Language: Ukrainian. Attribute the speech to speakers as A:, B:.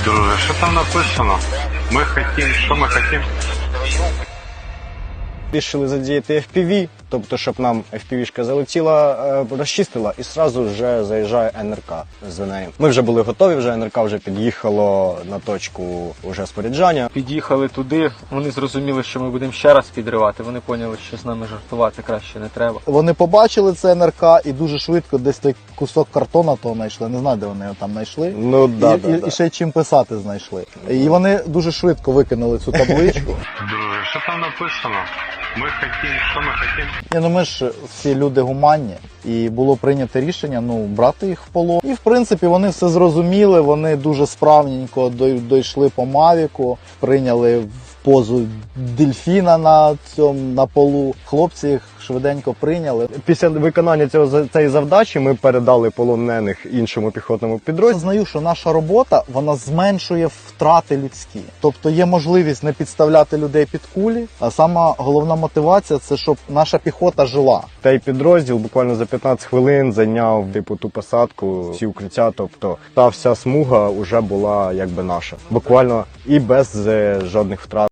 A: Друже, що там написано? Ми хотім, що ми хотім?
B: Рішили задіяти FPV, тобто, щоб нам FPV-шка залетіла, розчистила і одразу вже заїжджає НРК за нею. Ми вже були готові, вже НРК вже під'їхало на точку уже споряджання.
C: Під'їхали туди, вони зрозуміли, що ми будемо ще раз підривати, вони поняли, що з нами жартувати краще не треба.
D: Вони побачили це НРК і дуже швидко десь той кусок картона того знайшли. Не знаю, де вони його там знайшли.
B: Ну, да.
D: І ще й чим писати знайшли. І вони дуже швидко викинули цю табличку.
A: Друже, що там написано? Ми хотім, що ми хотім?
D: Ні, ну ми ж всі люди гуманні, і було прийнято рішення брати їх в полон. І в принципі вони все зрозуміли, вони дуже справненько дійшли по Мавіку, прийняли в позу дельфіна на полу. Хлопці їх швиденько прийняли.
B: Після виконання цієї завдачі ми передали полонених іншому піхотному підрозділу.
D: Знаю, що наша робота, вона зменшує втрати людські. Тобто є можливість не підставляти людей під кулі, а сама головна мотивація – це щоб наша піхота жила.
B: Той підрозділ буквально за 15 хвилин зайняв ту посадку, всі укриття, тобто та вся смуга вже була якби наша. Буквально і без жодних втрат.